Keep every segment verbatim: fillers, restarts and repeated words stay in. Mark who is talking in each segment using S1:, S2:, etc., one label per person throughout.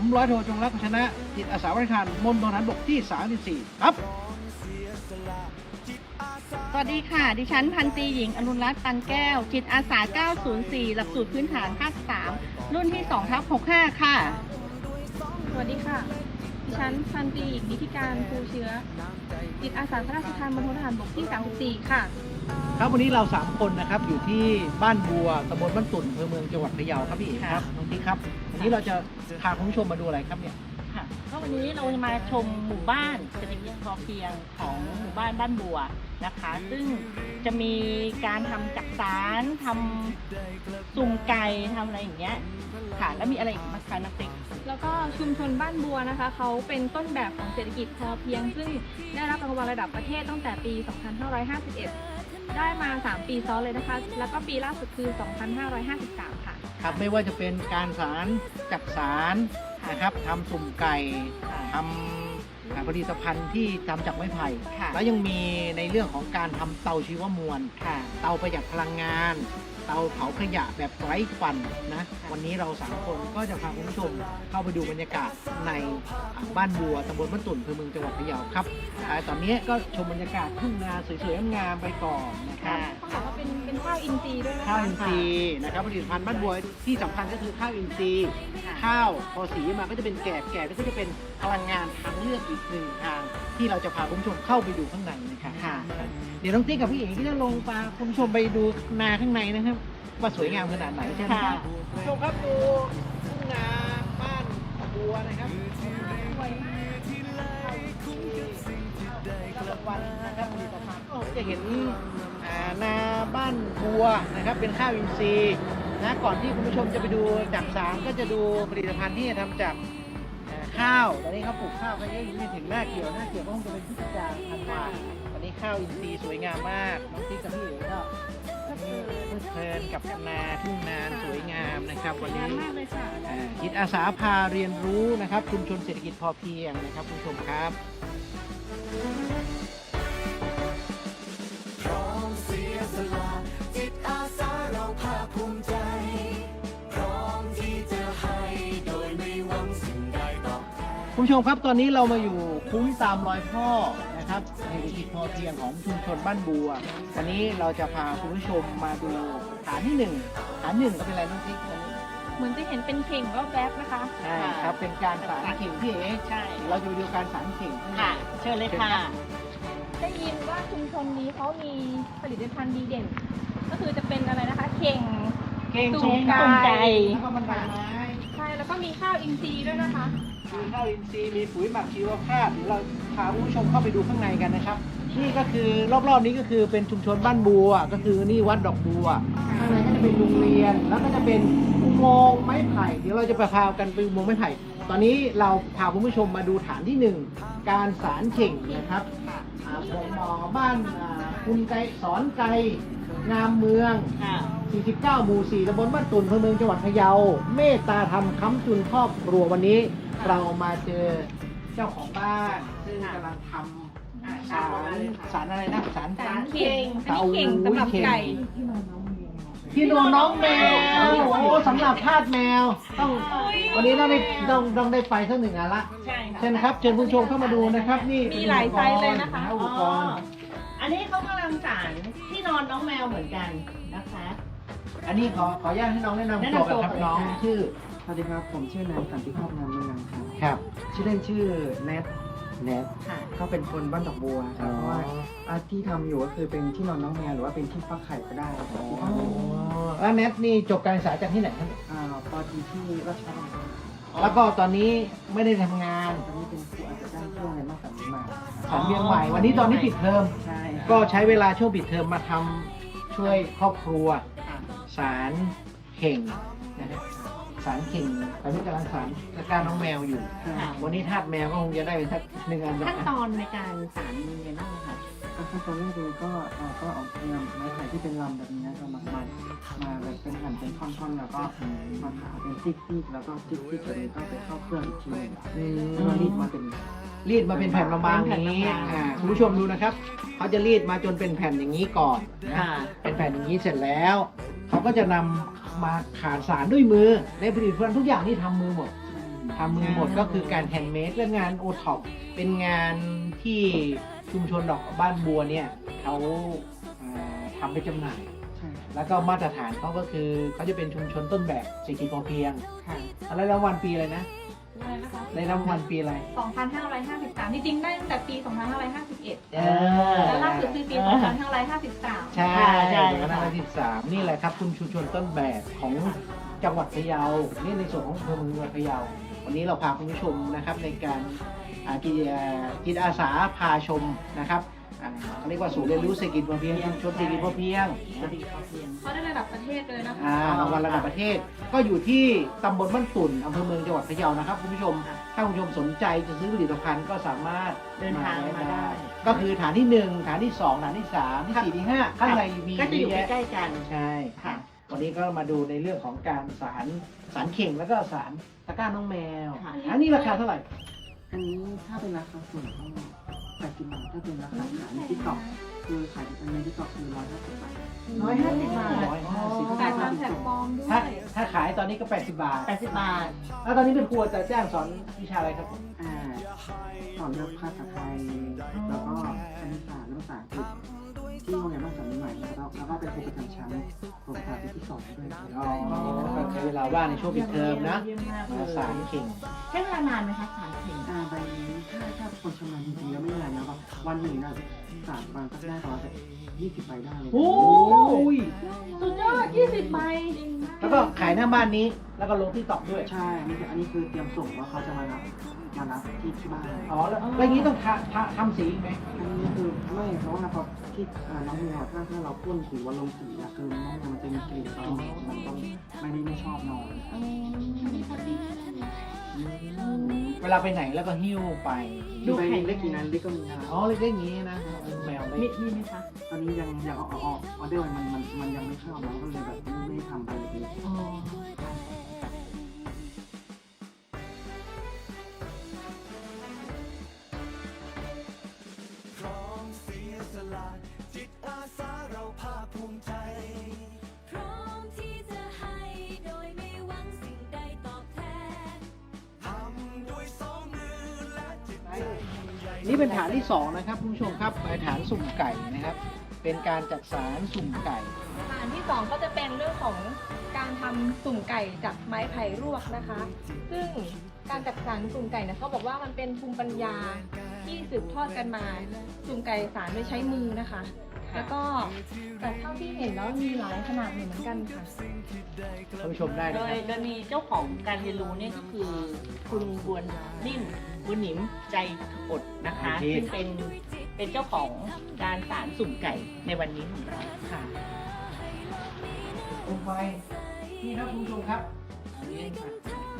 S1: ร้อยโทจงรักชนะจิตอาสาบริการมณฑลทหารบกที่สามสิบสี่ครับ
S2: สวัสดีค่ะดิฉันพันตรีหญิงอรุณรัตน์ตันแก้วจิตอาสาเก้าศูนย์สี่หลักสูตรพื้นฐานภาคสามรุ่นที่สองทับหกสิบห้าค่ะ
S3: สวัสดีค่ะดิฉันพันตรีหญิงนิติการภูเชื้อจิตอาสาพระราชทานมณฑลทหารบกที่สามสิบสี่ค่ะ
S1: ครับวันนี้เราสามคนนะครับอยู่ที่บ้านบัวตำบลบ้านตุ่นอำเภอเมืองจังหวัดพะเยาครับพี่เอกครับน้องติ๊กครับวันนี้เราจะพาคุณผู้ชมมาดูอะไรครับเนี่ย
S2: ค่ะก็วันนี้เราจะมาชมหมู่บ้านเศรษฐกิจพอเพียงของหมู่บ้านบ้านบัวนะคะซึ่งจะมีการทำจักสารทำสุ่มไก่ทำอะไรอย่างเงี้ยค่ะแล้วมีอะไรอีกบ้างคะน้องติ๊ก
S3: แล้วก็ชุมชนบ้านบัวนะคะเขาเป็นต้นแบบของเศรษฐกิจพอเพียงซึ่งได้รับรางวัลระดับประเทศตั้งแต่ปี สองพันห้าร้อยห้าสิบเอ็ด ได้มาสามปีซ้อนเลยนะคะแล้วก็ปีล่าสุดคือ สองพันห้าร้อยห้าสิบสาม ค่ะ
S1: ครับไม่ว่าจะเป็นการสารจักสารนะครับทำสุ่มไก่ทำผลิตภัณฑ์ที่ทำจากไม้ไผ่แล้วยังมีในเรื่องของการทำเตาชีวมวลเตาประหยัดพลังงานเตาเผาขยะแบบไร้ควันนะวันนี้เราสามคนก็จะพาคุณผู้ชมเข้าไปดูบรรยากาศในบ้านบัวตำบลบ้านตุ่นอำเภอเมืองจังหวัดพะเยาครับตอนนี้ก็ชมบรรยากาศทุ่งนาสวยๆงามๆไปก่อนนะครับ
S3: เขาบอกว่าเป็นเป็นข้าวอินทรีย์ด้วยนะคะ
S1: ข้าวอินทรีย์นะครับผลิตภัณฑ์บ้านบัวที่สำคัญก็คือข้าวอินทรีย์ข้าวพอสีมาก็จะเป็นแกบแกบก็จะเป็นพลังงานทางเลือกอีกหนึ่งทางที่เราจะพาคุณผู้ชมเข้าไปดูข้างในนะครับเดี๋ยวน้องติ๊กกับพี่เอกก็จะลงพาคุณผู้ชมไปดูนาข้างในนะครับว่าสวยงามขนาดไหนใช่ไหมครับผู้ชมครับดูทุ่งนาบ้านบัวนะครับสวยมากกลางวันนะครับผลิตภัณฑ์ก็จะเห็นนาบ้านบัวนะครับเป็นข้าวอินทรีย์นะก่อนที่คุณผู้ชมจะไปดูจักสารก็จะดูผลิตภัณฑ์ที่ทำจากข้าวตอนนี้เขาปลูกข้าวกันเยอะไม่ถึงหน้าเกี่ยวหน้าเกี่ยวก็คงจะเป็นพฤศจิกาธันวาตอนนี้ข้าวอินทรีย์สวยงามมากน้องติ๊กกับพี่เอ๋ก็เพลิดเพลินกับนาทุ่งนาสวยงามนะครับวันนี้จิตอาสาพาเรียนรู้นะครับชุมชนเศรษฐกิจพอเพียงนะครับคุณผู้ชมครับพร้อมเสียสละจิตอาสาเราภาคภูมิใจพร้อมที่จะให้โดยไม่หวังสิ่งใดตอบแทนคุณผู้ชมครับตอนนี้เรามาอยู่คุ้มตามรอยพ่อนะครับเศรษฐกิจพอเพียงของชุมชนบ้านบัววันนี้เราจะพาคุณผู้ชมมาดูฐานที่หนึ่งฐานหนึ่งก็เป็นอะไรน้องติ๊กวันนี้
S3: เหมือนจะเห็นเป็นเข่งรอบแวบนะคะ
S1: ใช่ครับเป็นการสารเข่งพี่เอ๋ใช่เราจะไปดูการสารเข่ง
S2: ค่ะเชิญเลยค่ะ
S3: ได้ยินว่าชุมชนนี้เขามีผลิตภัณฑ์ดีเด่นก็คือจะเป็นอะไรนะคะเข่ง
S1: เข่ง
S2: สุ่มไก่
S1: แล้วก็มันไม้
S3: ใช่แล้วก็มีข้าวอินทรีย์ด้วยนะคะ
S1: มีข้าวอินทรีย์มีปุ๋ยหมักชีวภาพเดี๋ยวเราพาคุณผู้ชมเข้าไปดูข้างในกันนะครับนี่ก็คือรอบๆนี้ก็คือเป็นชุมชนบ้านบัวก็คือนี่วัดดอกบัวข้างในก็จะเป็นโรงเรียนแล้วก็จะเป็นอุโมงค์ไม้ไผ่เดี๋ยวเราจะไปพากันไปอุโมงค์ไม้ไผ่ตอนนี้เราพาคุณผู้ชมมาดูฐานที่หนึ่งการสารเข่งนะครับผมหมอบ้านคุณไกสอนไกงามเมืองสี่สิบเก้าหมู่สี่ตำบลบ้านตุ่นอำเภอเมืองจังหวัดพะเยาเมตตาธรรมค้ำจุนครอบครัววันนี้เรามาเจอเจ้าของบ้านซึ่งกำลังทำสารสารอะไรนะสาร
S3: สารเข่งอันนี้เข่งสำหรับไก่
S1: ที่นอนน้องแมวโอ้สำหรับทาสแมวต้องวันนี้ต้องได้ต้องต้องได้ไปสักหนึ่งอันละ
S2: ใช่
S1: เชิญครับเชิญผู้ชมเข้ามาดูนะครับนี่
S3: มีหลายไซส์เลยนะคะ
S1: อุปกรณ์
S2: อันนี้เขากำลังสารที่นอนน้องแมวเหมือนกันนะคะ
S1: อันนี้ขอขออนุญาตให้น้องแนะนำตัวกันครับน้องชื่อ
S4: สวัสดีครับผมชื่อนายสันติภาพงามเมืองครับ
S1: ครับ
S4: ชื่อเล่นชื่อแนทแนท
S2: ค่ะ
S4: ก็เป็นคนบ้านดอกบัวครับเพราะว่าที่ทำอยู่ก็คือเป็นที่นอนน้องแมวหรือว่าเป็นที่ฟักไข่ก็ได้ครับ
S1: แล้วแนทนี่จบการศึกษาจากที่ไหนครับ
S4: อ่าปอตีที่ราชบัณฑิต
S1: แล้วก็ตอนนี้ไม่ได้ทำงาน
S4: ตอนนี้เป็นครูอาจจะจ้างช่วงในมากสันติมา
S1: สันเวียงใหม่วันนี้ตอนนี้ปิดเทอม
S4: ใช่
S1: ก็ใช้เวลาช่วงปิดเทอมมาทำช่วยครอบครัวสารเข่งนะครับสารเข่งตอนนี้กำลังสารตะกร้าน้องแมวอยู่วันนี้ทาสแมวก็คงจะได้เป็นสักหนึ่งอัน
S2: ขั้นตอนในการสารมีอะไรบ้างคะ
S4: ขั้นตอนแรกเลยก็เราก็เอานำไม้ไผ่ที่เป็นลำแบบนี้เรามามามาแบบเป็นหั่นเป็นท่อนๆแล้วก็มาผ่าเป็นติ๊กๆแล้วก็ติ๊กๆตัวนี้ก็ไปเข้าเครื่องอีกทีนึงแล้วก็รีดมาเป็น
S1: รีดมาเป็นแผ่นบางๆนี้คุณผู้ชมดูนะครับเขาจะรีดมาจนเป็นแผ่นอย่างนี้ก่อนนะเป็นแผ่นอย่างนี้เสร็จแล้วเขาก็จะนำมาขาดสารด้วยมือในผลิตภัณฑ์ทุกอย่างที่ทำมือหมดทำมือหมดก็คือการแฮนด์เมดและงานโอท็อปเป็นงานที่ชุมชนดอกบ้านบัวเนี่ยเขาเอ่อทำไปจำหน่าย
S4: ใช่
S1: แล้วก็มาตรฐานเขาก็คือเขาจะเป็นชุมชนต้นแบบเศรษฐกิจพอเพียง
S4: ค่ะ
S1: อะไรรางวัลปีอะไรนะ
S3: อะไรนะคะ
S1: ได้รางวัลปีอะไร
S3: สองพันห้าร้อยห้าสิบสามจริงๆได้ตั้งแต่ปี สองพันห้าร้อยห้าสิบเอ็ด
S1: เออ
S3: และล่าสุดคือปี สองพันห้าร้อยห้าสิบสาม
S1: ใช่
S2: ใช่
S1: คณะที่สามนี่แหละครับคุณชุมชนต้นแบบของจังหวัดพะเยานี่ในส่วนของอำเภอเมืองจังหวัดพะเยาวันนี้เราพาคุณผู้ชมนะครับในการอ่ากิจจิตอาสาพาชมนะครับอ่าเขาเรียกว่าศูนย์เรียนรู้เศรษฐกิจพอเพียงชุมชนเศรษฐกิจพอเพียง
S2: เศรษฐกิจพอเพียง
S3: เขาได้ระดับประเทศเลยนะคะ
S1: อ่ารางวัลระดับประเทศ ก็อยู่ที่ตำบลบ้านตุ่นอำเภอเมืองจังหวัดพะเยานะครับคุณผู้ชม
S2: ค่ะ
S1: ถ้าคุณผู้ชมสนใจจะซื้อผลิตภัณฑ์ก็สามารถ
S2: เดินทางมาได้
S1: ก็คือฐานที่หนึ่งฐานที่สองฐานที่สามที่สี่ที่ห้าข้างในมี
S2: ก็จะอยู่
S1: เยอะ
S2: ใก
S1: แยะ
S2: ล้ๆกัน
S1: ใช่
S2: ค่ะ
S1: วันนี้ก็มาดูในเรื่องของการสารสารเข่งแล้วก็สารตะกร้าน้องแมว
S2: ค่ะ
S1: อันนี้ราคาเท่าไหร่
S4: อันนี้ถ้าเป็นราคาส่วนก็แปดสิบบาทถ้าเป็นราคาขายในทิกตอกคือขายในทิกตอกคือร้อยห้าสิบบาท
S1: ร้อยห้าสิบบาท
S2: อ๋อ
S1: ร้อยห้าสิบ
S3: แต่ตามแพลตฟอร์มด้ว
S1: ถ้าย ถ้าขายตอนนี้ก็แปดสิบบาท
S2: แปดสิบบาท
S1: แล้วตอนนี้เป็นครูจะแจ้งสอนวิชาอะไรครับ
S4: อ่าสอนเรื่องภาษาไทย แล้วก็คณิตศาสตร์และภาษาอังกฤษที่โรงเรียนบ้านสวนใหม่แล้วแล้วก็เป็นครูประจำชั้นโรงเรียนปีที่สองด้วยครับ
S1: อ๋อก็ใช้เวลาว่างในช่วงปิดเทอมนะ
S2: เยี่ยมมากเล
S1: มายสารเข่ง
S2: ใช้เวลานานไหมคะสารเข่ง
S4: อ่าใบนี้ถ้าถ้าคนชำนาญจริงๆแล้วไม่นานนะครับวันหนึ่งนะสามวันก็ได้ประมาณยี่สิบใบได้เลย
S1: โอ้ย
S2: สุดยอดยี่สิบใบ
S1: แล้วก็ขายหน้าบ้านนี้ แล้วก็ลงที่ตอกด้วย
S4: ใช่อันนี้คืออันนี้คือเตรียมส่งว่าเขาจะมารับมารับที่ที่บ้าน
S1: อ๋อ แล้วแล้วอย่างนี้ต้องทาทาทำสีอีกไหม
S4: อันนี้คือไม่เพราะว่าพอที่อ่าน้องแมวถ้าถ้าเราพ่นสีวันลงสีอะคือน้องแมวมันจะมีกลิ่นกลิ่นมันต้องไม่ได้ไม่ชอบนอน
S1: เวลาไปไหนแล้วก็หิ้วไป
S4: ดูไปเล็กกี่นั้นเล็กก็มีนะ
S1: อ๋อเล็กๆอย่างนี้นะแมวเล็
S2: มี
S1: ก
S2: มีไหมคะ
S4: ตอนนี้ยังยังเอาเอาออเดอร์มันมันมันยังไม่เข้าเราก็เลยแบบไม่ไม่ทำไปเลย
S2: อ๋อ
S5: พร้อมที่จะให้โดยไม่หวังสิ่งใดตอบแทน
S1: นี่เป็นฐานที่สองนะครับคุณผู้ชมครับฐานสุ่มไก่นะครับ เป็นการจัดสารสุ่มไก่
S3: อันที่สองก็จะเป็นเรื่องของการทำสุ่มไก่จากไม้ไผ่รวกนะคะ ซึ่งการจัดสรรสุ่มไก่เนี่ยเขาบอกว่ามันเป็นภูมิปัญญาที่สืบทอดกันมา สุ่มไก่สารโดยใช้มือนะคะ แล้วก็แต่เท่าที่เห็นแล้วมีหลายขนาดอยู่เหมือนกันค่ะ
S1: ท่านผู้ชมได้
S2: โด
S1: นะค
S2: ย
S1: รับ
S2: โดยมีเจ้าของการเรียนรู้เนี่ยก็คือคุณบวนนิ่มบุญหนิมใจอดนะคะซึ่งเป็นเป็นเจ้าของการสารสุ่มไก่ในวันนี้ของเราค่ะ
S1: ลงไปนี่ครับคุณผู้ชมครับอันนี้ครับ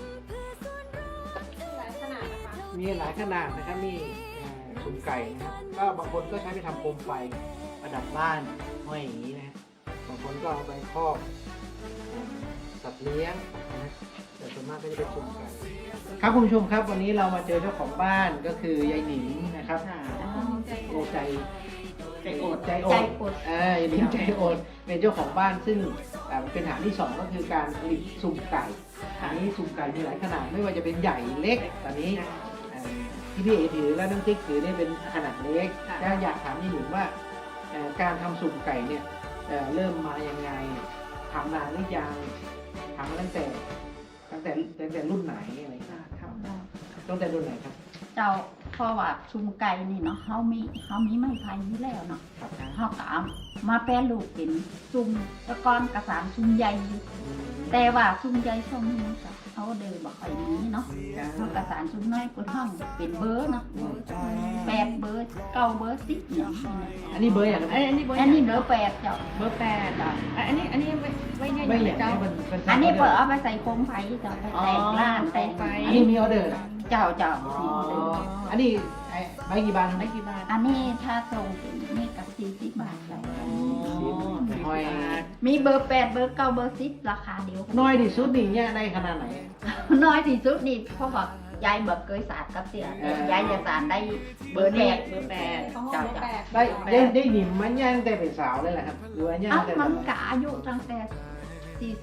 S3: หลายขนาดนะคะ
S1: มีหลายขนาดนะครับนี่อ่าสุ่มไก่นะครับก็บางคนก็ใช้ไปทำโคมไฟประดับบ้านห้อยอย่างนี้นะฮะบางคนก็เอาไปครอบสัตว์เลี้ยงนะแต่ส่วนมากก็จะเป็นสุ่มไก่ครับคุณผู้ชมครับวันนี้เรามาเจอเจ้าของบ้านก็คือยายหนิงนะครับ
S2: ค่ะ
S1: โอใจ
S2: ใจอด
S1: ใจอ
S2: ใจ
S1: ด
S2: อด
S1: เอ่ายายหนิงใจอดเป็นเจ้าของบ้านซึ่งอ่าเป็นฐานที่สองก็คือการผลิตสุ่มไก่อันนี้สุ่มไก่มีหลายขนาดไม่ว่าจะเป็นใหญ่เล็กตอนนี้อ่าที่พี่เอถือและน้ำติ๊กถือเนี่ยเป็นขนาดเล็กแล้วอยากถามยายหนิงว่าเอ่อการทำสุ่มไก่เนี่ยเอ่อเริ่มมายังไงทำนานหรือยังทำมาตั้งแต่ตั้งแต่ตั้งแต่รุ่นไหนอะไรอย่างเงี้ยครับตั้งแต่รุ่นไหนครับ
S6: เจ้าเพราะว่าชุมไก่นี่เนาะเฮามีเฮามีไม้ไผ่อยู่แล้วเนาะ
S1: ครับ
S6: เฮาก็เอามาแปรรูปเป็นซุ่มตะกอนกระสานซุ่มใหญ่อยู่แต่ว่าซุ่มใหญ่ช่วงนี้ก็เอาเดินบ่ค่อยมีเนาะเฮากระสานซุ่มน้อยกว่าห้องเป็นเบอร์เนาะแปดเบอร์เก้าเบอร์สิบเนี่ย
S1: อันนี้เบอร์อย่างไร
S3: อันนี้เบอร์
S6: อันนี้เบอร์แปดเจ้า
S3: เบอร์แปดอ่ะอันนี้อันนี้ไว้ไว้เนี่ย
S1: ไม่อยาก
S3: เจ้า
S1: ให้มันเป็น
S6: อันนี้เปิดเอาไปใส่โคมไฟเจ้าไปแต่งร้านแต่ง
S3: ไฟ
S1: อันนี้มีออเดอร์นะ
S6: เจ้าเจ้า
S1: อ๋ออันนี้ไอ้ใบกี่บาทครับ
S2: ไม่กี่บาท
S6: อันนี้ถ้าส่งเป็นนี่กับสี่สิบบาทเจ้า
S1: น้อย
S6: มีเบอร์แปดเบอร์เก้าเบอร์สิบราคาเดียวกัน
S1: น้อยที่สุดนี่เนี่ยได้ขนาดไหน
S6: น้อยที่สุดนี่เพราะว่ายายเบิกเคยสารกับเสีย
S1: เออ
S6: ยายจะสารได้
S2: เบ
S6: เบ
S2: อ
S6: อ
S2: ร์
S6: ร์แป
S2: นี้
S6: ด
S2: เบอร์แปด
S3: ของเบ
S6: เจ้า
S3: อร์
S6: จ้ะ
S3: แปด
S1: ได้ได้ได้หนิมมันย่างแต่เป็นสาวเลยแหละครับหรือว่าย่าง
S6: อ้าว
S1: แต่
S6: มัน
S1: แบบ
S6: ก็อายุตั้งแต่สี่สิบ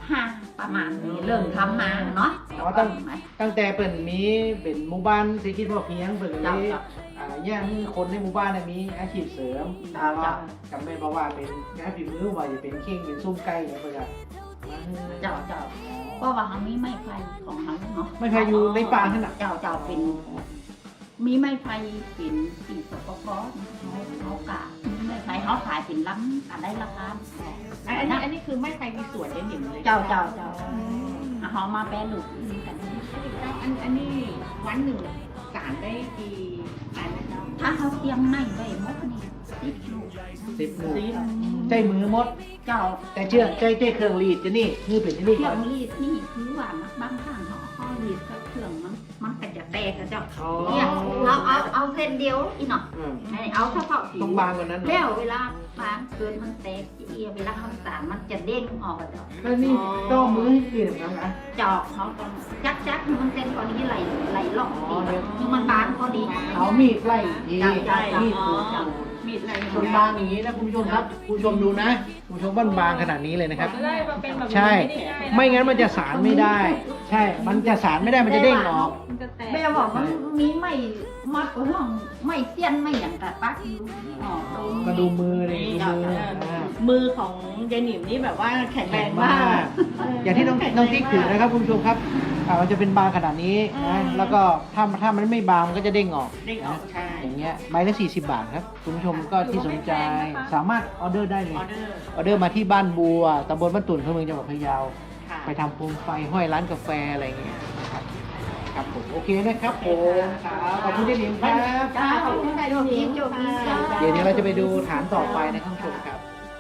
S6: ห้าประมาณนี้เริ่มทำมาเนาะ
S1: อ๋อตั้งตั้งแต่เปิ่นมีเป็นหมู่บ้านเศรษฐกิจพอเพียงเปิ่นเลยอ่าย่างคนในหมู่บ้านเนี่ยมีอาชีพเสริมแต่ว่ากับแม่บอกว่าเป็นงานฝีมือว่าจะเป็นเข่งเป็นซุ้มไก่เนี่ยเพื่อจะมาให้
S6: เจ้าเจ้าเพราะว่าเขามีไม้ไผ่ของเขาเนาะ
S1: ไม่ใครอยู่ในป่าขนาด
S6: เจ้าเจ้าเป็น มีไม้ไผ่เป็นปีสปกเขาเขากะมีไม้ไผ่เขาขายเป็นล้ำกันได้ราคา
S2: อันนี้อันนี้คือไม่ใครมีส่วนเด่นหนิมเลย
S6: เจ้าเจ้าเจ้าเขามาแปรรูปกัน
S2: อันอันนี้วันหนึ่งสารได้กี่อันนะเจ้า
S6: ถ้าเขาเตรียมไม้ไว้หมดนี่สิบลูก
S1: สิบหมู่ใจมือมด
S6: เจ้า
S1: แต่เชื่อใจใจเครื่องรีดจะนี่นี่เป็นที่นี่
S6: เครื่
S1: ก่
S6: อ
S1: อน
S6: งรีดนี่คือว่าบางครั้งเขาเขารีดกับเครื่องมันมันก็จะแตกกับเจ้า
S1: อ๋อ
S6: เนี่ยเราเอาเอาเส้นเดียวอีหน่อย
S1: อืม
S6: เอาเฉพาะผิว
S1: ต้องบางกว่านั้น
S6: แล้วเวลาบางเกินมันแตกเอียเวลาเขาสารมันจะเด้งออกอะเจ้า
S1: แล้วนี่ต้องมือให้กินแบบนั้นนะ
S6: เจาะเขาต้องจักจักให้มันเส้นพอดีไหลไหลล่องดีคือมันบางพอดี
S1: เอามีดไล่ที
S6: เจ้าเจ้า
S1: มีด
S6: เจ้า
S1: ขูด
S6: เจ้า
S2: มีดอะไร
S1: ส่วนบางอย่างนี้นะคุณผู้ชมครับคุณผู้ชมดูนะคุณผู้ชมบ้านบางขนาดนี้เลยนะครับ
S3: ไล่มาเป็นแบบนี้
S1: ใช่
S3: ไม่ได้ง่ายนะ
S1: ไม่งั้นมันจะสารไม่ได้ ใช่ มันจะสารไม่ได้มันจะเด้งออก
S3: มันจะแตก
S6: แม่บอกมันมีไม่มัดกับห้องไม่เสี้ยนไม่อย่างแต่ปักอยู่อ๋อตรง
S1: ก็ดูมือเลยดูมืออ่า
S2: มือของยายหนิมนี่แบบว่าแข็งแร
S1: แข็ง
S2: ง
S1: มาม
S2: าก ก
S1: อย่างที่น้องน้องติ๊กถือนะครับคุณผู้ชมครับอ่ามันจะเป็นบางขนาดนี้นะแล้วก็ถ้าถ้ามันไม่บางมันก็จะเด้งออก
S2: เด้งออกใช่
S1: อย่างเงี้ยใบละสี่สิบบาทครับคุณผู้ชมก็ที่สนใจสามารถออเดอร์ได้เลย
S2: ออเดอร์
S1: ออเดอร์มาที่บ้านบัวตำบลบ้านตุ่นอำเภอเมืองจังหวัดพะเยา
S2: ค่ะ
S1: ไปทำโคมไฟห้อยร้านกาแฟอะไรอย่างเงี้ยนะครับครับผมโอเคนะครับผมครับขอบคุณเจนิมครับ
S6: เจ้าคุณได้โชคดีโชคดีจ้า
S1: เดี๋ยวนี้เราจะไปดูฐานต่อไปนะครับคุณผู้ชมครับ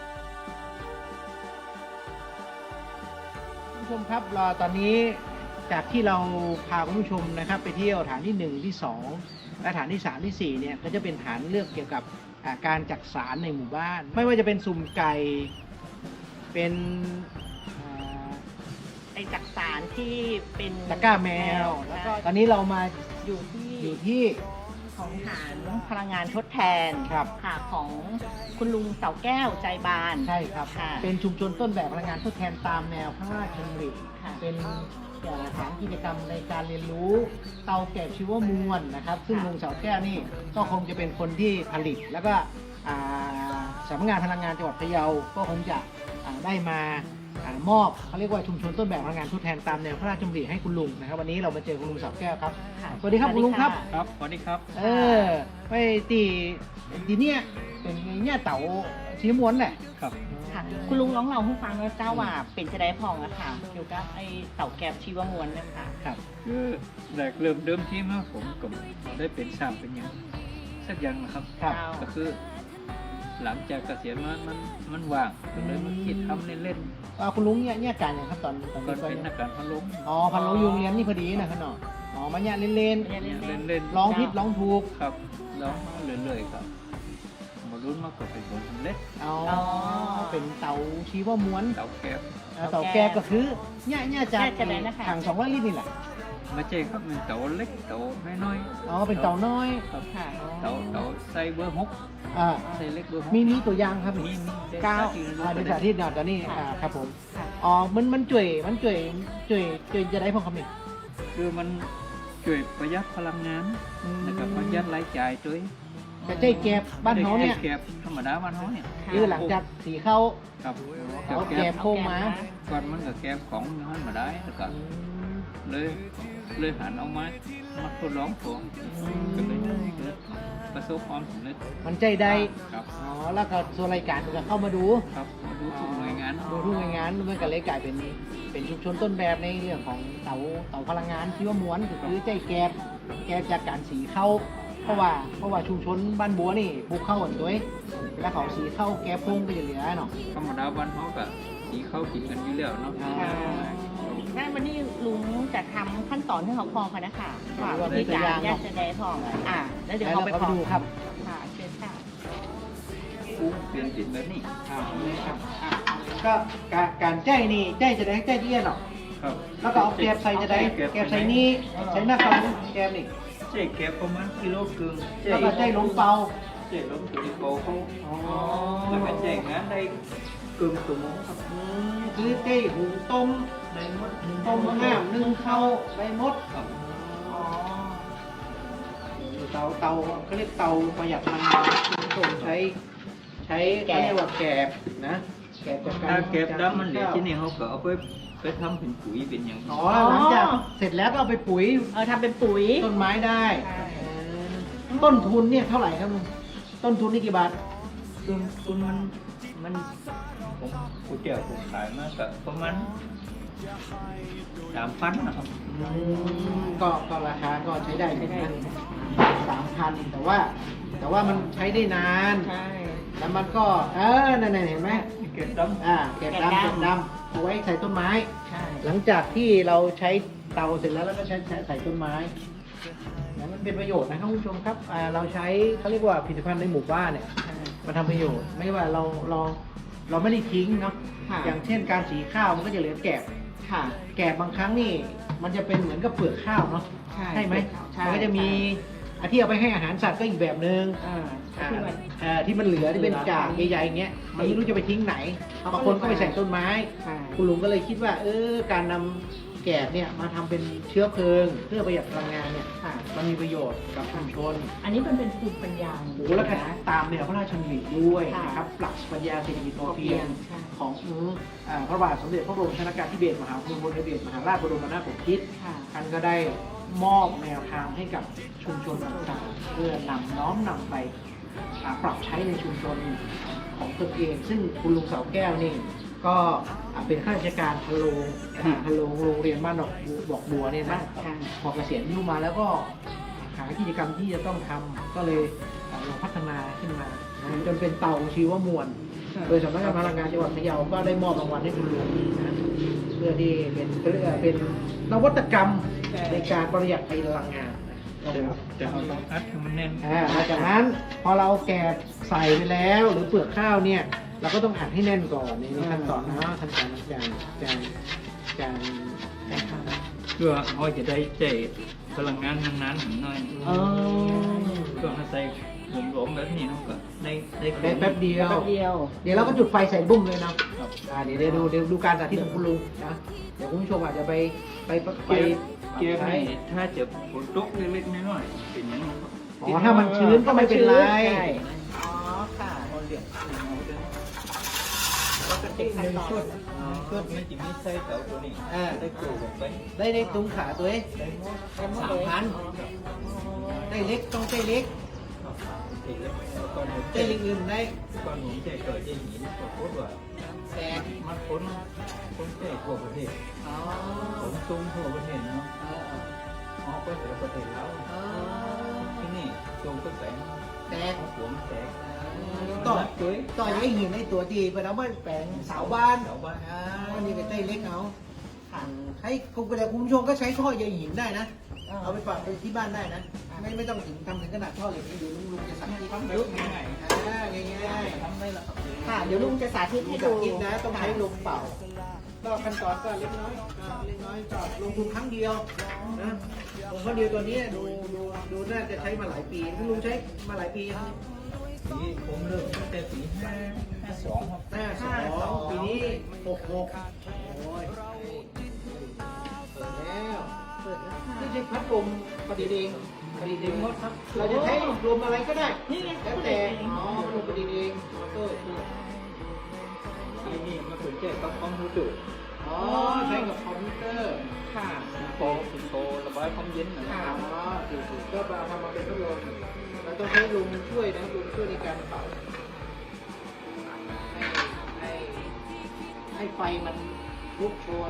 S1: คุณผู้ชมครับเราตอนนี้จากที่เราพาคุณผู้ชมนะครับ ไปเที่ยวฐานที่หนึ่งที่สองและฐานที่สามที่สี่เนี่ยก็จะเป็นฐานเรื่องเกี่ยวกับอ่าการจักสารในหมู่บ้าน ไม่ว่าจะเป็นสุ่มไก่เป็นอ่า
S2: ไอจักสารที่เป็น
S1: ตะกร้าแมวแล้วก็ตอนนี้เรามา
S2: อยู่ที่
S1: อยู่ที่
S2: ของฐานพลังงานทดแทน
S1: ครับ
S2: ค่ะของคุณลุงเสาแก้วใจบาน
S1: ใช่ครับ
S2: ค่ะ
S1: เป็นชุมชนต้นแบบพลังงานทดแทนตามแนวพระราชดำริ
S2: ค่ะ
S1: เป็นฐานกิจกรรมในการเรียนรู้เตาแกบชีวมวลนะครับ ซึ่งลุงเสาแก้วนี่ก็คงจะเป็นคนที่ผลิต แล้วก็อ่าสำนักงานพลังงานจังหวัดพะเยาก็คงจะอ่าได้มาอ่ามอบเขาเรียกว่าชุมชนต้นแบบพลังงานทดแทนตามแนวพระราชดำริให้คุณลุงนะครับ วันนี้เรามาเจอคุณลุงเสาแก้วครับ
S2: ค่ะ
S1: สวัสดีครับคุณลุงครับ
S7: ครับสวัสดีครับ
S1: เออไปตีทีเนี้ยเป็นไงเนี่ยเต๋าชีม้วนแหละ
S7: ครับ
S2: ค่ะคุณลุงร้องเราให้ฟังว่าเจ้าว่าเป็นจะได้พองอะค่ะเกี่ยวกับไอเต่าแกบชีวมวลนะคะ
S1: ครับ
S7: คือแรกเริ่มเดิมทีมาผมก็ได้เป็นสร้างเป็นอย่างสักอย่างนะครับ
S1: ครับ
S2: เจ้า
S7: ก็คือ หลังจากเกษียณมามันมันว่างก็เลยมาคิดทำเล่น
S1: อ่าคุณลุงเนี่ยเนี่ยการอย่างครับตอนตอน
S7: ๆก็
S1: นี้ก็
S7: เป็นนักการพันลง
S1: อ๋อพันโลยุงเรียนนี่พอดีนะครับเนาะอ๋อมาเนี่ยเล่น
S2: เล่น
S7: เล่น
S2: ๆ
S7: เล่น
S1: ๆร้องผิดร้องถูก
S7: ครับร้องมาเรื่อยๆครับมารุ่นมาก็เป็นผลสำเร็จ
S1: อ๋อ
S2: อ๋อ
S1: เป็นเตาชีวม้วน
S7: เต่าแก็บ
S1: อ่าเตาแกบก็คือเนี่ยเนี่ยจาก
S2: เนี่ยจะได้นะคะ
S1: ถังสองร้อยลิตรนี่แหละ
S7: ไม่ใช่ครับเป็นเต่าเล็กเต่าน้อย
S1: อ๋อเป็นเตาน้อย
S7: ๆครับ
S2: ค่ะ
S7: เต่าเต่าใส่เบอร์หก
S1: อ่า
S7: ใส่เล็กเบอร์หก
S1: มีมีตัวอย่างครับ
S7: มี
S1: นี่
S7: มีได้
S1: เก้า
S7: สที่รู้
S1: อ่า
S7: ไป
S1: เป็น
S7: ได้
S1: สาธิตเนาะตอนนี้
S2: ค่ะ
S1: อ่าครับผม
S2: ค่ะ
S1: อ๋อมันมันจ่วยมันจ่วยจ่วยจ่วยจะได้พอคำนี้
S7: คือมันช่วยประหยัดพลังงาน
S1: อืม
S7: แล้วก็ประหยัดรายจ่ายด้วย
S1: แต่ใจแกบบ้านเขาเนี่ย
S7: แก็บธรรมดาบ้านเขาเนี่ย
S1: คือหลังจากสีเข้า
S7: ครับ
S1: เอาแก
S7: แก็
S1: บบ โค้งมา
S7: ก่อนมันก็แก็บของมันมาได้แล้วก็
S1: อืม
S7: เลยเลยหันเอามามาทดลองตัวก็เลยเกิดประสบความสำเร็จ
S1: มันใจได้
S7: ครับ
S1: อ๋อ แล้วก็ส่วนรายการก็เข้ามาดู
S7: ครับมาดูทุกหน่วยงาน
S1: ดูทุกหน่วยงานมันก็เลยกลายเป็นเป็นชุมชนต้นแบบในเรื่องของเตาเตาพลังงานที่ว่าม้วนก็คือใจแกบแกบจากการสีเข้า เพราะว่าเพราะว่าชุมชนบ้านบัวนี่ปลูกข้าวกันด้วยเวลาเขาสีเข้าแกบพุ่งก็จะเหลือเนาะ
S7: ธรรมดาบ้านเขาก็สีเข้ากินกันอยู่แล้วเนาะ
S1: อ่า
S2: งั้นวันนี้ลุงจะทำขั้นตอนที่เขาพองกันนะคะว่า
S1: ว่า
S2: วิธีการ
S1: เป็นตัวอย่าง
S2: แยกจะได้พองอ่าแล้วเดี๋ยว
S1: แล้ว
S2: เขา
S1: เรา
S2: ไป
S1: ก็
S2: พ
S1: ไป
S2: อง
S1: ดูครับ
S2: ค่ะเชิญค่ะ
S7: กุ้งเปลี่ยนติดแบบนี้
S1: อ่านี่ครับอ่าก็การการใจนี่ใจจะได้ใจเอี้ยนเนาะ
S7: ครับ
S1: แล้วก็เอาแกบใส่จะได้แกบใส่นี่ใส่หน้าเขาแกบนี่
S7: เจ๊แก็บประมาณกิโลครึ่ง
S1: แล้วก็ใจลงเปา
S7: เจ๊ล้มตัวที่โปเขา
S1: อ๋อ
S7: แล้วก็แจ้งงานได้เกิคืนตัวโมงครับ
S1: อืมคือได้หุงต้ม
S7: ได้หมด
S1: ต้มห้ามนึ่งข้าวได้หมด
S7: ครับ
S1: อ๋อเตาเตาเขาเรียกเตาประหยัดพลังงานคุณผู้ชมใช้ใช้เขาเรียกว่าแกบนะแกบจากการ
S7: ถ้าเก็บดำมันเหลือที่นี่เขาก็เอาไปไปทำเป็นปุ๋ยเป็นอย่าง
S1: อ๋อหลังจากเสร็จแล้วก็เอาไปปุ๋ย
S2: เออทำเป็นปุ๋ย
S1: ต้นไม้ได้
S2: ใช่
S1: เออต้นทุนเนี่ยเท่าไหร่ครับลุงต้นทุนนี่กี่บาท
S7: คุณคุณมันมันผมกูเจียวผมขายมาก็ประมาณสามพันนะครับ
S1: อืมก็ก็ราคาก็ใช้ได้
S2: ใช้ได้
S1: นะสามพันแต่ว่า แต่ว่ามันใช้ได้นาน
S2: ใช่
S1: แล้วมันก็ เออนั่นๆเห็นไหม
S7: เก็บดำ
S1: อ่าเก็บดำ
S2: เก็
S1: เก็
S2: บบ ดำ
S1: ดำเอาไว้ใส่ต้นไม้
S2: ใช่
S1: หลังจากที่เราใช้เตาเสร็จแล้วแล้วก็ใช้ใช้ใส่ต้นไม้นะมันเป็นประโยชน์นะครับคุณผู้ชมครับอ่าเราใช้เขาเรียกว่าผลิตภัณฑ์ในหมู่บ้านเนี่ย
S2: ใช่
S1: มาทำประโยชน์ ไม่ว่าเราเราเราไม่ได้ทิ้งเนาะ
S2: ค่ะ
S1: อย่างเช่นการสีข้าวมันก็จะเหลือแกบ
S2: ค่ะ
S1: แกบบางครั้งนี่มันจะเป็นเหมือนกับเปลือกข้าวเนาะ
S2: ใช่
S1: ไหม
S2: ใช่
S1: มันก็จะมีอันที่เอาไปให้อาหารสัตว์ก็อีกแบบนึง
S2: อ่า
S1: อ่า
S2: ที่มัน
S1: อ่าที่มันเหลือที่เป็น
S2: เหลือ
S1: จากใหญ่ๆอย่างเงี้ยมันไม่รู้จะไปทิ้งไหน
S2: เขาก็
S1: บางคนก็ไปใส่ต้นไม้
S2: ใช่
S1: คุณลุงก็เลยคิดว่า เออการนำแกบเนี่ยมาทำเป็นเชื้อเพลิง เพื่อประหยัดพลังงานเนี่ย
S2: ค่ะ
S1: มันมีประโยชน์กับชุมชน
S2: อันนี้มันเป็นภูมิปัญญา
S1: โอ้โหแล้วก็ตามแนวพระราชดำริด้วย
S2: ค่ะ
S1: นะครับหลักปรัชญาเศรษฐกิจพอเพียง
S2: ใช่
S1: ของอ่าพระบาทสมเด็จพระบรมชนกาธิเบศรมหาภูมิพลอดุลยเดชมหาราชบรมนาถบพิตร
S2: ค่ะ
S1: ท่านก็ได้มอบแนวทางให้กับชุมชนต่างๆเพื่อนำน้อมนำไปอ่าปรับใช้ในชุมชนของตนเอง ซึ่งคุณลุงเสาแก้วนี่ก็อ่าเป็นข้าราชการพะโลงอดีตพะโลงโรงเรียนบ้านดอกบัวบอกบัวเนี่ยนะ
S2: ค่ะ
S1: พอเกษียณอายุมาแล้วก็หากิจกรรมที่จะต้องทำก็เลยอ่าลองพัฒนาขึ้นมานะจนเป็นเตาชีวมวล โดยสำนักงานพลังงานจังหวัดพะเยาก็ได้มอบรางวัลให้คุณลุงนะเพื่อที่เป็นเพื่อเป็นนวัตกรรมในการประหยัดพลังงานนะ
S7: แต่เราต้องอัดให้มันแน่น
S1: อ่าหลังจากนั้นพอเราแกะใส่ไปแล้ว หรือเปลือกข้าวเนี่ย เราก็ต้องอัดให้แน่นก่อนในขั้นตอนนะขั้นตอนการการการการทำ
S7: เพื่อเขาจะได้ใจพลังงานนานๆหน่อย
S1: เออ
S7: เพื่อให้ใส่หลวมๆแบบนี้เขาก็ได้ได้
S1: ได้แป๊บเดียว
S2: แป๊บเดียว
S1: เดี๋ยวเราก็จุดไฟใส่บุ้มเลยเนาะ
S7: ครับ
S1: อ่าเดี๋ยวเดี๋ยวดูเดี๋ยวดูการสาธิตของคุณลุงนะเดี๋ยวคุณผู้ชมอาจจะไปไปไป
S7: เกียร์ให้ถ้าจะฝนตกเล็กๆน้อยๆเป็นอย่างนั้นครับ
S1: อ๋อถ้ามันชื้นก็ไม่เป็นไร
S2: ใช่อ๋อค่ะ
S7: เอาเรียกเอาเดิน
S2: แล้วก็ติดขั้นตอน
S7: ชุดชุดไม่จิมีใส่เตาตัวนี้
S1: อ่า
S7: ได้กูแบบไป
S1: ได้ในตุ้งขาตัวเอง
S7: ได้หมด
S1: สามพันได้เล็กต้องได้เล็ก
S7: เองแล้วก่อนผม
S1: ได้เล็กอื่นได้
S7: ก่อนผมจะเกิดอย่างนี้ก็โคตรว่า
S1: แสน
S7: มันพ้นพ้นเทศทั่วประเทศ
S1: อ๋อ
S7: ผมซุ้มทั่วประเทศเนาะ
S1: เออ
S7: อ๋อก็แต่ประเทศแล้ว
S1: เออ
S7: ที่นี่ซุ้มก็แสง
S1: แสน
S7: หัวมันแตก
S1: ต่อ
S7: ตัว
S1: ต่อยังหินในตัวดีไปแล้วไม่แปลงเสาบ้าน
S7: เสาบ้าน
S1: อ่าวันนี้ก็ได้เล็กเอาใช้คุณแต่คุณผู้ชมก็ใช้ท่อใยหินได้นะ เอาไปปรับเป็นที่บ้านได้นะ ไม่ไม่ต้องถึงทำถึงขนาดท่อเหล็กนี่ดูลุงลุงจะสั่งที่
S7: ทำ
S1: ทำ
S7: แบ
S1: เย
S7: บ
S1: อะ
S7: ง่าย
S1: อ่าง่าย
S7: ๆทำได้แล้วครับ
S2: ค่ะ เดี๋ยวลุงจะสาธิต
S1: ๆ
S2: ให้
S1: ดู
S2: ดู
S1: คิดนะต้องใช้ลมเป่า ก็ขั้นตอนก็เล็กน้อยก็เล็กน้อยก็ลงทุนครั้งเดียวนะลงครั้งเดียวตัวนี้ดูดูดูน่าจะใช้มาหลายปีคุณลุงใช้มาหลายปี
S7: ปีผมเริ่มตั้งแต่ปีห้าห้าสองครับ
S1: หน้าสองปีนี้หกหกโอ้ยเปิดแล้วเปิดแล้วไม่ใช่พัดลมประดิษฐ์เองประดิษฐ์เองหมดครับ เราจะใช้ลมอะไรก็ได้
S2: นี่ไง
S1: แล้วแต่อ๋อพัดลมประดิษฐ์เองมอเตอร์
S7: ที่นี่มาถึงแค่กับคอมพิวเตอร์
S1: อ๋อใช้กับคอมพิวเตอร์
S2: ค่ะ
S7: โตสิโตระบายความเย็นนะค
S1: อ๋
S7: รับ
S1: อถูกๆก็มาทำมาเป็นพัดลมเราต้องใช้ลมช่วยนะลมช่วยในการเป่าให้ให้ให้ไฟมันลุกโชน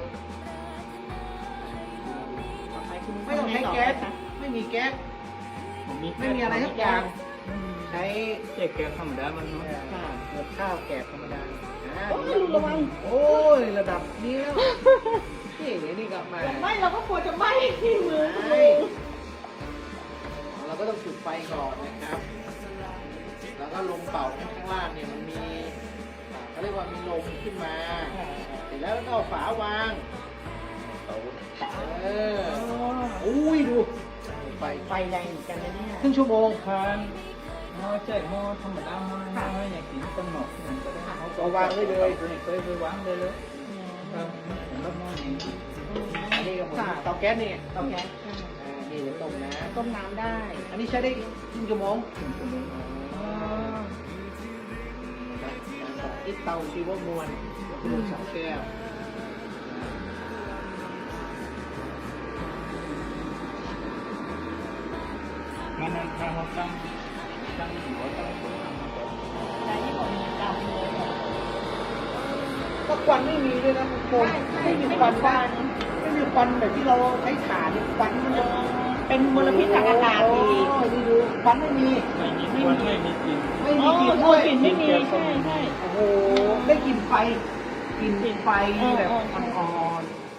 S2: ต่อไปคุณลุ
S1: ไม่ต้องใช้แก๊ส
S2: ค่ะ
S1: ไม่มีแก๊ส
S7: ผม
S1: ไม่มีอะไรทุกอย่าง ใช้
S7: แค่แก้ธรรมดามันเนาะ
S1: เกลือข้าวแกบธรรมดาอ่า
S2: โอ้ยระวัง
S1: โอ้ยระดับนี้แล้วนี่เดี๋ยวนี่กลับมา
S2: ไม่เราก็กลัวจะไหม้ที่มือคุณ
S1: ใช่
S2: ลุง
S1: เราก็ต้องจุดไฟก่อนนะครับ แล้วก็ลมเป่าข้างล่างเนี่ยมันมีอ่าเขาเรียกว่ามีลมขึ้นมาเสร็จแล้วก็เอาฝาวาง
S7: เตา
S1: เอออุ้ยดูไฟ
S2: ไฟแรงเหมือนกันนะเนี่ย
S1: ครึ่งชั่วโมง
S7: ทานหม้อใช่หม้อธรรมดาหม้อน้อยๆอย่างกินต้มหมกมันก็ได้เขา
S1: เอาวางไว้เลย
S7: เคยไปวางเลยเลยครับแล้วหม้อนี้
S1: อันนี้กับผมเตาแก๊สนี่
S2: เตาแก๊ส
S1: อ่านี่เดี๋ยวต้มนะ
S2: ต้มน้ำได้
S1: อันนี้ใช้ได้ครึ่งชั่วโมง
S7: ถึงจะมี
S1: อ๋อการสาธิตเตาชีวมวลก็คือสองแก้ว
S7: มันนั่นถ้าเขาตั้งตั้งหัวตั้งหัว
S2: ใช้ของดำเลย
S1: ก็ควันไม่มีด้วยนะทุกคน
S2: ใช่
S1: ไม่มี
S2: ไม่
S1: ควัน
S2: มีควั
S1: นะ
S2: น
S1: ไม่มีควันแบบที่เราใช้ถ่านเนี่ยควันมันจะ
S2: เป็นมลพิษทางอากาศ
S1: โอ้
S2: ดี
S1: ยนี่ดูควันไม่มี
S7: ไม่มีควันไม่มีกลิ่น
S1: ไม่
S2: อ๋
S1: มี
S2: อก
S1: ลิ่น
S2: โอ้
S1: ด้วย
S2: กลิ่นไม่มีใช่ใช่
S1: โอ้โหได้กลิ่นไฟกลิ่นไฟแบบ
S2: เออเออ
S1: อ่อน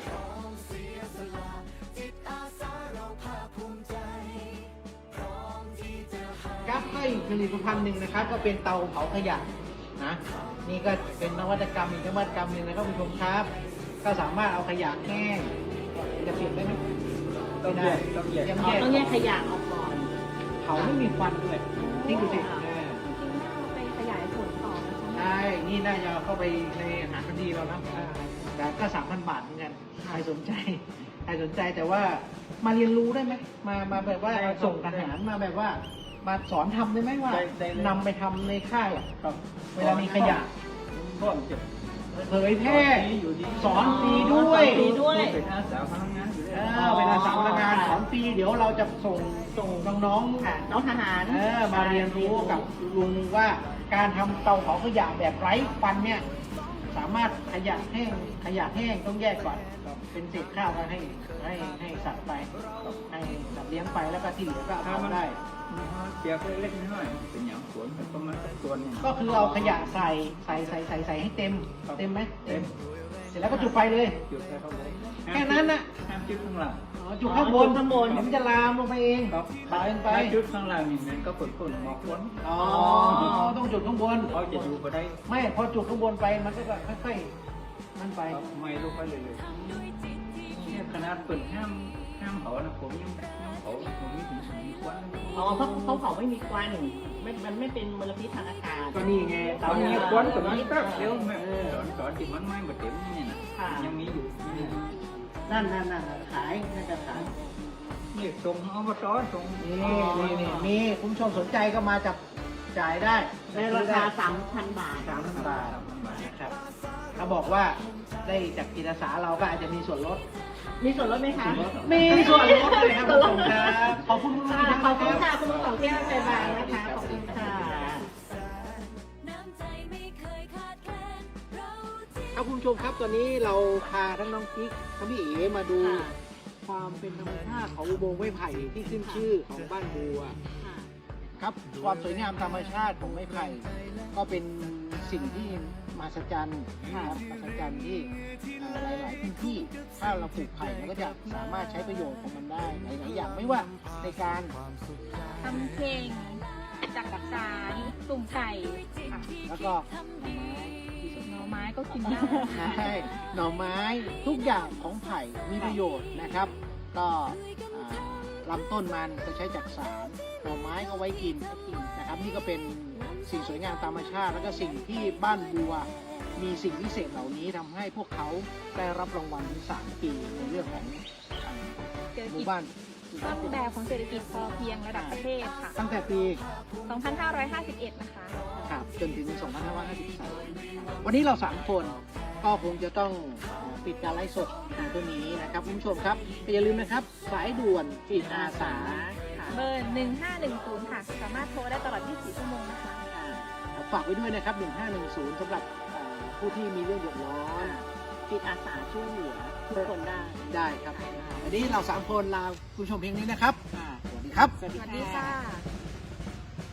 S1: ครับก็อีกผลิตภัณฑ์หนึ่งนะครับ ก็เป็นเตาเผาขยะนะนี่ก็เป็นนวัตกรรมอีกนวัตกรรมหนึ่งนะครับคุณผู้ชมครับ ก็สามารถเอาขยะแห้งจะเปลี่ยนได้ไหม
S7: ต้องแยกต้องแยก
S1: ยัง
S2: อ๋อ
S1: แยก
S2: ต้องแยกขยะออกก่อน
S1: เผาไม่มีควันด้วยนี่ดูสิเออ
S3: จริงๆน่าเอาไปขยายผลต่อนะคะ
S1: ใช่นี่น่าจะเข้าไปในอาหารคดีเรานะอ่าแต่ก็สามพันบาทเหมือนกันใครสนใจใครสนใจแต่ว่ามาเรียนรู้ได้ไหมมามาแบบว่าส่งทหารมาแบบว่า มาสอนทำได้ไหมว่านำไปทำในค่ายอะ
S7: ครับ
S1: เวลามีขยะ
S7: ร่วมจะ
S1: เผยแพร่สอนฟรีด้วย
S2: สอนฟรีด้วย
S7: เป็นอาสาพนักงานอยู่
S1: เอ
S7: แล้ว
S1: อเป็นอาสาพนักงานสอนฟรีเดี๋ยวเราจะส่งส่งน้องๆ
S2: ค่ะน้องทหาร
S1: เออมาเรียนรู้กับลุงว่าการทำเตาเผาขยะแบบไร้ควันเนี่ย สามารถขยะแห้งขยะแห้งต้องแยกก่อนเป็นเศษข้าวก็ให้ให้ให้สัตว์ไปให้สัตว์เลี้ยงไปแล้วก็ที่เหลือก็เอาเผาได้
S7: เปียกเล็กๆน้อยๆเป็นอย่างสวนแต่ประมาณสักส่วนหนึ่ง
S1: ก็คือเอาขยะใส่ใส่ใส่ใส่ใส่ให้เต็มเต็มไหม
S7: เต็ม
S1: เสร็จแล้วก็จุดไฟเลย
S7: จุดแค่ข้างบน
S1: แค่นั้นน่ะ
S7: ห้ามจุดข้างหลัง
S1: อ๋อจุดข้างบน
S2: จุดข้างบน
S1: เดี๋ยวมันจะลามลงไปเอง
S7: ครับ
S1: ตายไป
S7: ถ้าจุดข้างล่างนี่มันก็ฝนฝนหมอกฝน
S1: อ๋อต้องจุดข้างบน
S7: เขาจะอยู่ก็ได้
S1: ไม่พอจุดข้างบนไปมันก็จะค่อยๆมันไป
S7: ไม่ลงไปเลยเลยเนี่ยขนาดเปิดห้ามห้ามเผานะผมยังยังเผาผมไม่ถึงสี่วัน
S2: อ๋อเขาเขาเผาไม่มีควันไม่มันไม่เป็นมลพิษทางอากาศ
S1: ก็นี่ไง
S7: ตอนนี้ควันแต่มันก็เดี๋ยวแม่สอนสอนที่มันไม่มาเต็มนี่นะ
S2: ค่ะ
S7: ยังมีอยู่
S1: นั่นนั่นนั่นขายน่าจะขาย
S7: นี่ส่งอบตส่ง
S1: นี่นี่นี่มีคุณผู้ชมสนใจก็มาจับจ่ายได้
S2: ในราคาสามพันบาท
S1: สามพันบาทนะครับเขาบอกว่าได้จากจิตอาสาเราก็อาจจะมีส่วนลด
S2: มีส่วนลดไหมคะ
S1: มีส่วนลดเลยครับคุณผู้ชมครับขอบคุณคุณผู้ชม
S2: ขอบคุณ
S1: ค
S2: ค่ะ
S1: รับ
S2: คุณลุงของเที่ยวใจบางนะคะ ขอบคุณค่ะ
S5: น้ำใจไม่เคยขาดแคลนเราที่
S1: ครับคุณผู้ชมครับตอนนี้เราพาทั้งน้องกิ๊กทั้งพี่เอ๋มาดูความเป็นธรรมชาติของอุโมงค์ไม้ไผ่ที่ขึ้นชื่อของบ้านบัวครับความสวยงามธรรมชาติของไม้ไผ่ก็เป็นสิ่งที่มหัศจรรย์นะครับมหัศจรรย์ที่เอ่อหลาย ๆ พื้นที่ถ้าเราปลูกไผ่เราก็จะสามารถใช้ประโยชน์ของมันได้หลาย ๆ อย่างไม่ว่าในการ
S3: ทำเพลงจักรสารตุ่มไก่ค่ะ
S1: แล้วก็
S3: หน่อไม้ก็กินได้
S1: ใช่หน่อไม้ทุกอย่างของไผ่มีประโยชน์นะครับ ก็อ่าลำต้นมันก็ใช้จักสารหน่อไม้ก็ไว้กินนะครับ นี่ก็เป็นสิ่งสวยงามตามธรรมชาติ แล้วก็สิ่งที่บ้านบัวมีสิ่งพิเศษเหล่านี้ทำให้พวกเขาได้รับรางวัลถึงสามปีในเรื่องของอ่า
S3: เศรษฐ
S1: หมู่
S3: กิจ
S1: บ้าน
S3: ต้นแบบของเศรษฐกิจพอเพียงระดับประเทศค่ะ
S1: ตั้งแต่ปี
S3: สองพันห้าร้อยห้าสิบเอ็ด นะคะ
S1: ครับจนถึง สองพันห้าร้อยห้าสิบสาม วันนี้เราสามคนก็คงจะต้องปิดการไลฟ์สดในตัวนี้นะครับคุณผู้ชมครับอย่าลืมนะครับ สายด่วนจิตอาสาค่ะ
S3: เบอร์ หนึ่งห้าหนึ่งศูนย์ ค่ะ สามารถโทรได้ตลอด ยี่สิบสี่ ชั่วโมงนะคะ
S1: ฝากไว้ด้วยนะครับ หนึ่งห้าหนึ่งศูนย์ สำหรับเอ่อผู้ที่มีเรื่องเดือดร้อน
S2: จิตอาสาช่วยเหลือทุกคนได้
S1: ได้ครับ วันนี้เราสามคนลาคุณผู้ชมเพียงนี้นะครับอ่าสวัสดีครับ
S2: สวัส
S3: ส
S2: ดี
S3: วัสดี
S2: ค่ะ
S3: ค่ะ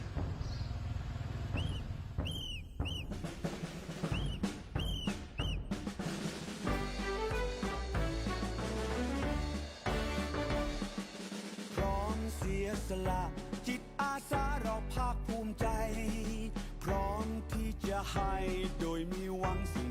S8: พร้อมเสียสละจิตอาสาเราภาคภูมิใจ พร้อมที่จะให้โดยมีหวังสิ่ง